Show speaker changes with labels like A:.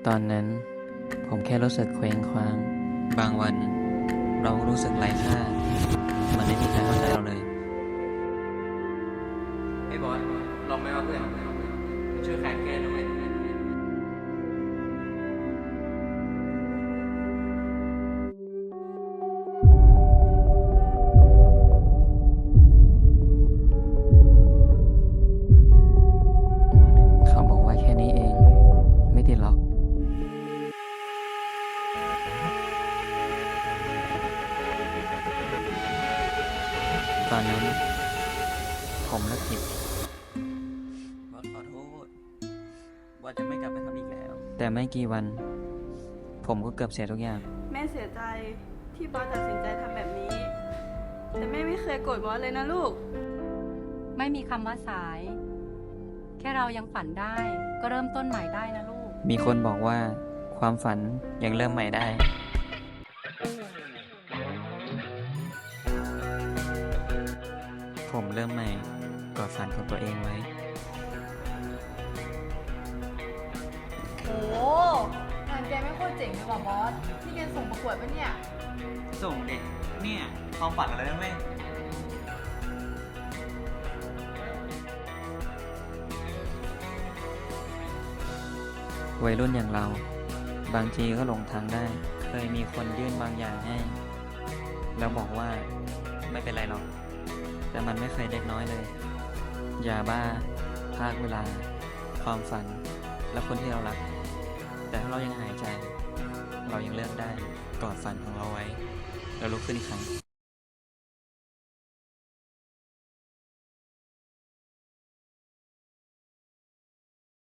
A: ตอนนั้นผมแค่รู้สึกเคว้งคว้างบางวันเรารู้สึกไร้ค่ามันไม่มีใครเข้าใจเราเลย
B: ไอ้บอสลองไหมว่าเพื่อนช่วยแขนแกด้วย
A: เขาบอกว่าแค่นี้เองไม่ติดหรอกตอนนั้นผมเลิกผิดบอสขอโทษว่าจะไม่กลับไปทำอีกแล้วแต่ไม่กี่วันผมก็เกือบเสียทุกอย่าง
C: แม่เสียใจที่บอสตัดสินใจทำแบบนี้ แต่แม่ไม่เคยโกรธบอสเลยนะลูก
D: ไม่มีคำว่าสาย แค่เรายังฝันได้ ก็เริ่มต้นใหม่ได้นะลูก
A: มีคนบอกว่าความฝันยังเริ่มใหม่ได้ผมเริ่มใหม่กอดฝันของตัวเองไว้
E: โอ้งานแกไม่โคตรเจ๋งเลยว่ะบอส นี่แกส่งประกวดปะเนี่ย
B: ส่งเด็กเนี่ยความฝันอะไรนะแม่
A: วัยรุ่นอย่างเราบางทีก็หลงทางได้เคยมีคนยื่นบางอย่างให้แล้วบอกว่าไม่เป็นไรหรอกแต่มันไม่เคยเล็กน้อยเลยยาบ้าภาคเวลาความฝันและคนที่เรารักแต่ถ้าเรายังหายใจเรายังเลือกได้กอดฝันของเราไว้แล้วลุกขึ้นอีกครั้ง